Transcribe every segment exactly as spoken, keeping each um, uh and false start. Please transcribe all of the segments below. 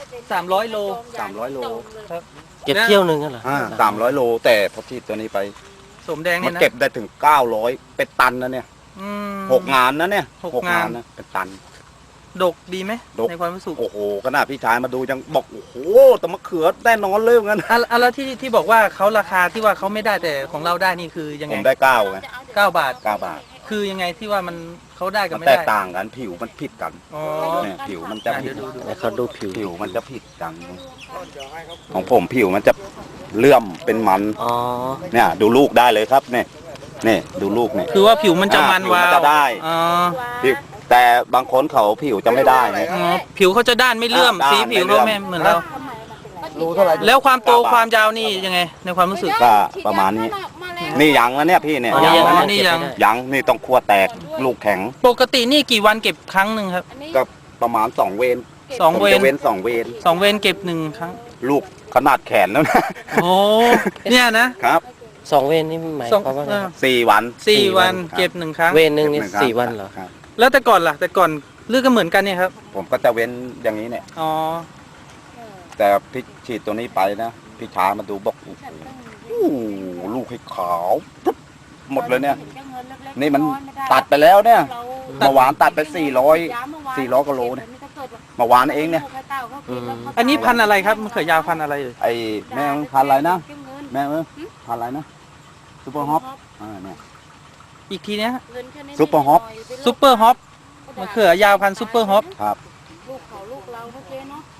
สามร้อยโลสามร้อยโลครับเก็บเที่ยวหนึ่งกันเหรออ่าสามร้อยโลแต่พอฉีดตัวนี้ไปสมแดงมัเนี่ยนะนเก็บได้ถึงเก้าร้อยเป็นตันนะเนี่ยอืมหกงานนะเนี่ยหกงานนะเป็นตันดกดีไหมดกในความรู้สึกโอ้โหขนาดพี่ชายมาดูยังบอกโอ้โหแต่มะเขือแน่นอนเลยงั้นอ่ะอ่ะแล้วที่ที่บอกว่าเขาราคาที่ว่าเขาไม่ได้แต่ของเราได้นี่คือยังผไงมได้เก้าไงเก้าบาทเก้าบาทคือยังไงที่ว่ามันเขาได้กับมันไม่แตได้กต่างกันผิวมันผิดกันอ๋อเนี่ยผิวมันจะผิดเดี๋ยวดูดูให้เขาดูผิวผิวมันจะผิดกัน ของผมผิวมันจะเลื่อมเป็นมันอ๋อเนี่ยดูลูกได้เลยครับเนี่ยนี่ดูลูกเนี่ยคือว่าผิวมันจะมันอ่ะวาผิวมันวจะได้อ๋อผิวแต่บางคนเขาผิวจะไม่ได้ไงอ๋อผิวเขาจะด้านไม่เลื่อมด้านสีผิวไม่เลื่เขาอมไม่เหมือนเรารู้เท่าไหร่แล้วความโตความยาวนี่ยังไง ในความรู้สึกก็ประมาณนี้ นี่ยังแล้วเนี่ยพี่เนี่ยอ๋อยังแล้วนี่เนี่ยยังยังนี่ต้องคั่วแตกลูกแข็งปกตินี่กี่วันเก็บครั้งหนึ่งครับก็ประมาณสองเวนสองเวผมนจะเว้นสองเวนสองเวนเก็บหนึ่งครั้งลูกขนาดแขนแล้วนะโอ้เนี่ยนะครับสองเวรนี่หมายสองความว่าไงเออสี่วันสี่วันครับเก็บหนึ่งครั้งเวรหนึ่งนี่ก็บครั้สี่วันเหรอครับแล้วแต่ก่อนล่ะ แต่ก่อนเลือกก็เหมือนกันเนี่ยครับผมก็จะเว้นอย่างนี้เนี่ยอ๋อแต่พี่ฉีดตัวนี้ไปนะพี่ชายมาดูบอกโอ้โหโอ้โหลูกให้ขาวปุ๊บหมดเลยเนี่ย นี่มันตัดไปแล้วเนี่ยเมื่อวานตัดไปสี่ร้อยสี่ร้อยกิโลเนี่ยเมื่อวานเองเนี่ยอันนี้พันธุ์อะไรครับมะเขือยาวพันธุ์อะไรเอ่ยไอ้แม่งพันธุ์อะไรนะแม่งเอ้ยพันธุ์อะไรนะซูเปอร์ฮอปอ่าเนี่ยอีกทีเนี้ยซุปเปอร์ฮอปซุปเปอร์ฮอปมะเขือยาวพันธุ์ซุปเปอร์ฮอปครับลูกเขาลูกเราเมื่อกี้เนาะ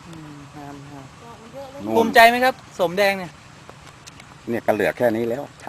นู่ภูนมิใจไหมครับ สมแดงเนี่ยเนี่ยก็เหลือแค่นี้แล้วใช้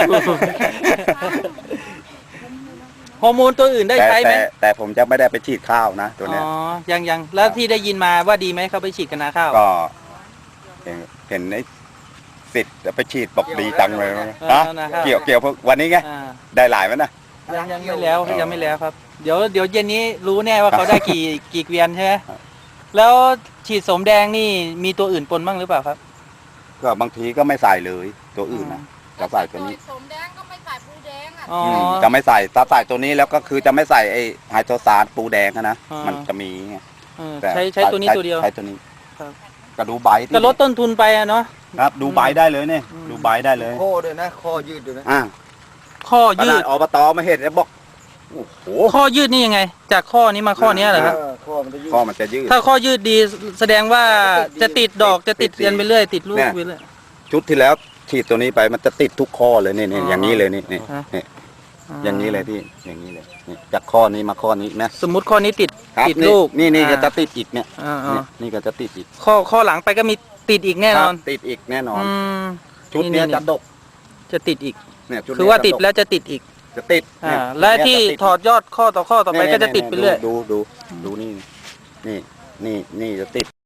ฮอร์โมนตัวอื่นได้แต่ใช้ไหมแต่แต่ผมจะไม่ได้ไปฉีดข้าวนะตัวอ๋เนี้ยอยังยังแล้วที่ได้ยินมาว่าดีไหมเขาไปฉีดกันนาข้าวก็เห็นเห็นไอ้สิทธิ์ไปฉีดบอกดีจังเลยนะอ่าฮะนาข้าวเกี่ยวเกี่ยวพวกวันนี้ไงอ่าได้หลายไหมนะยังยังไม่แล้วอ๋อยังไม่แล้วครับ เดี๋ยวเดี๋ยวเย็นนี้รู้แน่ว่าเขาได้กี่ กี่เกวียนใช่ไหมครับแล้วฉีดสมแดงนี่มีตัวอื่นปนบ้างหรือเปล่าครับก็บางทีก็ไม่ใส่เลยตัวอื่นนะจะใส่ตัวนี้สมแดงก็ไม่ใส่ปูแดงอ่ะอ๋อมจะไม่ใส่ถ้าใส่ตัวนี้แล้วก็คือจะไม่ใส่ไอ้ไฮโดรซานปูแดงอะนะอ่ามัมันจะมีไงเออแต่ใช้ใช้ตัวนี้ตัวเดียวใช้ตัวนี้ครับก็ดูใบที่ก็ลดต้นทุนไปอะเนาะครับดูใบได้เลยเนี่ยอืมดูใบได้เลยข้อด้วยนะข้อยืดด้วยนะอ่าข้อขยืนาดดอบตมาเห็นแล้วบอกโอ้โหข้อยืดนี่ยังไง จากข้อนี้มาข้อเนี้ยเหรอครับเออข้อมันจะยืดข้อมันจะยืดถ้าข้อยืดดีแสดงว่าจะติดดอกจะติดติดเรียนไปเรื่อยติดลูกเนี่ยไปเรื่อยชุดที่แล้วฉีดตัวนี้ไปมันจะติดทุกข้อเลยนี่นี่อ๋อออย่างนี้เลยนี่นี่ฮะนี่อย่างนี้เลยพี่อย่างนี้เลยนี่จากข้อนี้มาข้อนี้นะสมมุติข้อนี้ติดครับติดนี่ลูกนี่นี่ก็อ่าจะติดอีกเนี่ยอ่าเนี่ยนี่ก็จะติดอีกๆข้อข้อหลังไปก็มีติดอีกแน่นอนครับติดอีกแน่นอนอืมชุดเนี้ยนี่จะดกจะติดอีกเนี่ยชุดคือเนี้ยว่าจะติดกแล้วจะติดอีกจะติดอ่าเนี่ยและเนี่ยที่จะติดถอดยอดข้อต่อข้อต่อไปเนี่ยก็จะติดไปเรื่อยดูดูดูนี่นี่นี่นี่จะติด